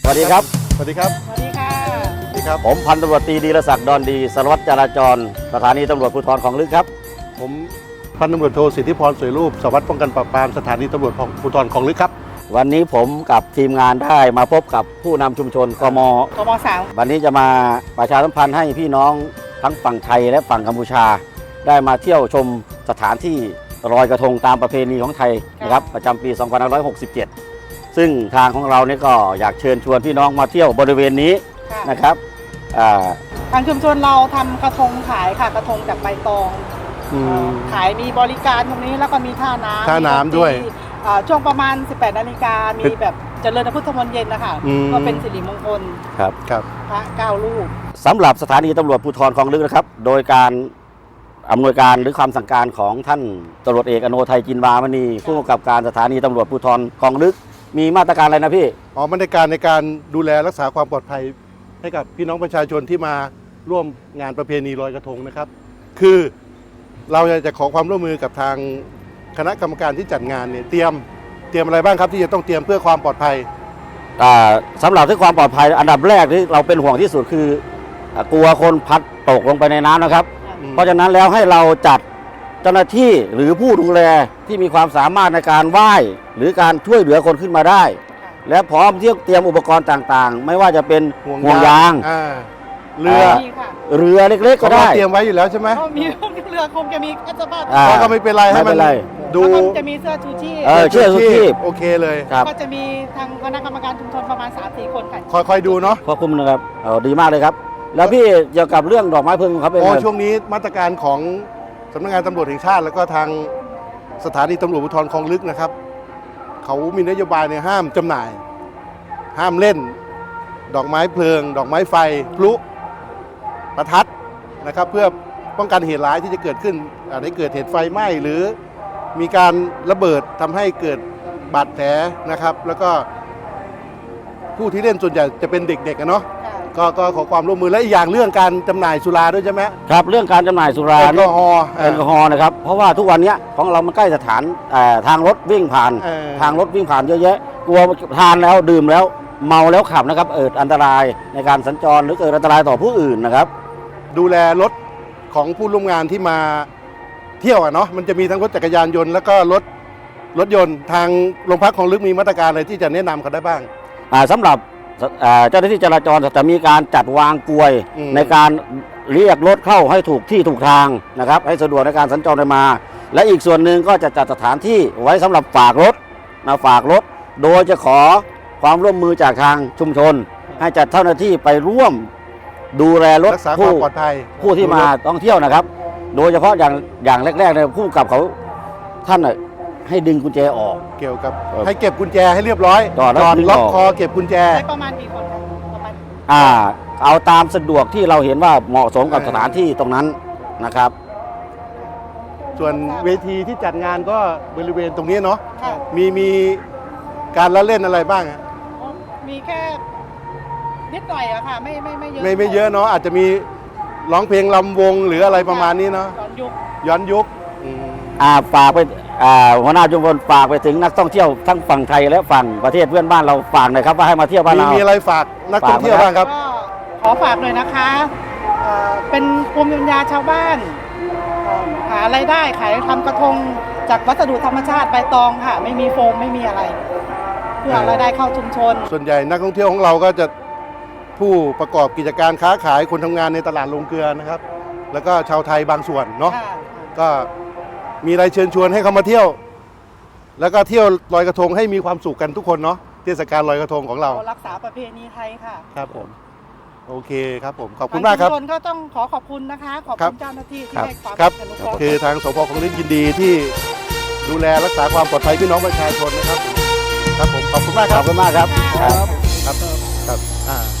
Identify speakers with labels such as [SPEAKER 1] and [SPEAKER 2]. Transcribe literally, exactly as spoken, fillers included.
[SPEAKER 1] วัสดีครับ
[SPEAKER 2] สวัสดีครับ
[SPEAKER 3] สวัสดีค่ะ
[SPEAKER 2] สวัสดีครับ
[SPEAKER 1] ผมพันตำรวจตรีดีรศักดิ์ดอนดีสารวัตรจราจรสถานีตำรวจภูธรคลองลึกครับ
[SPEAKER 2] ผมพันตำรวจโทสิทธิพรสวยรูปสารวัตรป้องกันปราบปรามสถานีตำรวจภูธรคลองลึกครับ
[SPEAKER 1] วันนี้ผมกับทีมงานได้มาพบกับผู้นำชุมชนกม
[SPEAKER 3] กมสาม
[SPEAKER 1] วันนี้จะมาประชาสัมพันธ์ให้พี่น้องทั้งฝั่งไทยและฝั่งกัมพูชา ได้มาเที่ยวชมสถานที่ลอยกระทงตามประเพณีของไทยนะครับประจำปี สองพันห้าร้อยหกสิบเจ็ด ซึ่งทางของเราเนี่ยก็อยากเชิญชวนพี่น้องมาเที่ยวบริเวณนี้นะครับ
[SPEAKER 3] ทางชุมชนเราทำกระทงขายค่ะกระทงจากใบตองขายมีบริการตรงนี้แล้วก็มีท่าน้ำ
[SPEAKER 2] ท่าน้ำด้วย
[SPEAKER 3] ช่วงประมาณ สิบแปด นาฬิกามีแบบเจริญพุทธมนต์เย็นนะคะก็เป็นสิริมงคล
[SPEAKER 1] ครับ
[SPEAKER 2] ครับ
[SPEAKER 3] พระเก้ารูป
[SPEAKER 1] สำหรับสถานีตำรวจภูธรคลองลึกนะครับโดยการอำนวยการหรือความสั่งการของท่านตำรวจเอกอโนไทยจินวามณีผู้กำกับการสถานีตำรวจภูธรคลองลึกมีมาตรการอะไรนะพี่
[SPEAKER 2] อ๋อมาตรการในการดูแลรักษาความปลอดภัยให้กับพี่น้องประชาชนที่มาร่วมงานประเพณีลอยกระทงนะครับคือเราจะขอความร่วมมือกับทางคณะกรรมการที่จัดงานเนี่ยเตรียมเตรียมอะไรบ้างครับที่จะต้องเตรียมเพื่อความปลอดภัย
[SPEAKER 1] สำหรับที่ความปลอดภัยอันดับแรกที่เราเป็นห่วงที่สุดคือกลัวคนพัดตกลงไปในน้ำนะครับเพราะฉะนั้นแล้วให้เราจัดเจ้าหน้าที่หรือผู้ดูแลที่มีความสามารถในการว่ายหรือการช่วยเหลือคนขึ้นมาได้และพร้อมที่จะเตรียมอุปกรณ์ต่างๆไม่ว่าจะเป็นห่วงยาง
[SPEAKER 2] เรือ
[SPEAKER 1] เรือเล็กๆก็ได้
[SPEAKER 2] เตรียมไว้อยู่แล้วใช่ไหม
[SPEAKER 3] มีเรือคงจะมีก็จะบ้า
[SPEAKER 2] ก็ไม่เป็นไรให้มัน
[SPEAKER 3] ดูจะมีเสื้อชูชีพ
[SPEAKER 1] เออเสื้อชูชีพ
[SPEAKER 2] โอเคเลย
[SPEAKER 3] ก็จะมีทางคณะกรรมการชุมชนประมาณ สามถึงสี่ คนค่ะ
[SPEAKER 2] คอยๆดูเนาะ
[SPEAKER 1] ควบคุมนะครับเออดีมากเลยครับแล้วพี่เกี่ยวกับเรื่องดอกไม้เพลิงครับเป็น
[SPEAKER 2] ไงช่วงนี้มาตรการของสำนักงานตำรวจแห่งชาติแล้วก็ทางสถานีตำรวจภูธรคลองลึกนะครับเขามีนโยบายเนี่ยห้ามจำหน่าย ห้ามเล่นดอกไม้เพลิง ดอกไม้ไฟพลุประทัดนะครับเพื่อป้องกันเหตุร้ายที่จะเกิดขึ้นอาจจะเกิดเหตุไฟไหม้หรือมีการระเบิดทำให้เกิดบาดแผลนะครับแล้วก็ผู้ที่เล่นส่วนใหญ่จะเป็นเด็กๆกันเนาะก็ก็ขอความร่วมมือและอีกอย่างเรื่องการจำหน่ายสุราด้วยใช่ไหม
[SPEAKER 1] ครับเรื่องการจำหน่ายสุรา
[SPEAKER 2] แอลกอฮอล์
[SPEAKER 1] แอลกอฮอล์นะครับเพราะว่าทุกวันนี้ของเรามันใกล้สถานทางรถวิ่งผ่านทางรถวิ่งผ่านเยอะแยะกลัวทานแล้วดื่มแล้วเมาแล้วขับนะครับเกิดอันตรายในการสัญจรหรือเกิดอันตรายต่อผู้อื่นนะครับ
[SPEAKER 2] ดูแลรถของผู้ร่วมงานที่มาเที่ยวอ่ะเนาะมันจะมีทั้งรถจักรยานยนต์แล้วก็รถรถยนต์ทางโรงพักคลองลึกมีมาตรการอะไรที่จะแนะนำเขาได้บ้าง
[SPEAKER 1] สำหรับเจ้าหน้าที่จราจรจะมีการจัดวางกลวยในการเรียกรถเข้าให้ถูกที่ถูกทางนะครับให้สะดวกในการสัญจรไปมาและอีกส่วนหนึ่งก็จะจัดสถานที่ไว้สำหรับฝากรถมาฝากรถโดยจะขอความร่วมมือจากทางชุมชนให้จัดเจ้าหน้าที่ไปร่วมดูแลรถ
[SPEAKER 2] ผู้ปลอดภัย
[SPEAKER 1] ผู้ที่มาท่องเที่ยวนะครับโดยเฉพาะอย่างอย่างแรกๆเนี่ยผู้กับเขาท่านให้ดึงกุญแจออก
[SPEAKER 2] เกี่ยวกับให้เก็บกุญแจให้เรียบร้อย
[SPEAKER 1] ก่อน
[SPEAKER 2] ล็อกคอเก็บกุญแจ
[SPEAKER 3] ประมาณกี่คนประมาณ
[SPEAKER 1] อ่าเอาตามสะดวกที่เราเห็นว่าเหมาะสมกับสถานที่ตรงนั้นนะครับ
[SPEAKER 2] ส่วนเวทีที่จัดงานก็บริเวณตรงนี้เนาะมีมีการละเล่นอะไรบ้าง
[SPEAKER 3] มีแค่นิดหน่อยอะค่ะไม่ไม่ไม่เยอะ
[SPEAKER 2] ไม่ไม่เยอะเนาะอาจจะมีร้องเพลงลำวงหรืออะไรประมาณนี้เนาะ
[SPEAKER 3] ย้อนยุค
[SPEAKER 2] ย้อนยุค
[SPEAKER 1] อ่าฝากไปอ่าหัวหน้าชุมชนฝากไปถึงนักท่องเที่ยวทั้งฝั่งไทยและฝั่งประเทศเพื่อนบ้านเราฝากหน่อยครับว่าให้มาเที่ยวบ้านเรา
[SPEAKER 2] มีอะไรฝากนักท่องเที่ยวบ้างครับ
[SPEAKER 3] ขอฝากหน่อยนะคะเป็นภูมิปัญญาชาวบ้านหารายได้ขายทำกระทงจากวัสดุธรรมชาติใบตองค่ะไม่มีโฟมไม่มีอะไรเพื่อรายได้เข้าชุมชน
[SPEAKER 2] ส่วนใหญ่นักท่องเที่ยวของเราก็จะผู้ประกอบกิจการค้าขายคนทำงานในตลาดโรงเกลือนะครับแล้วก็ชาวไทยบางส่วนเนาะก็มีอะไรเชิญชวนให้เขามาเที่ยวแล้วก็เที่ยวลอยกระทงให้มีความสุขกันทุกคนเนาะเทศกาลลอยกระทงของเรา
[SPEAKER 3] รักษาประเพณีไทยค่ะ
[SPEAKER 2] ครับผมโอเคครับผมขอบคุณมากครับ
[SPEAKER 3] ทุกคนก็ต้องขอขอบคุณนะคะขอบคุณเจ้าหน้าที่ที่ให้ความ
[SPEAKER 2] อนุเคราะห์คือทางสพคลองลึกยินดีที่ดูแลรักษาความปลอดภัยพี่น้องประชาชนนะครับครับผมขอบคุณมากครับ
[SPEAKER 1] ขอบคุณมากครับ
[SPEAKER 2] ครับครับครับอ่า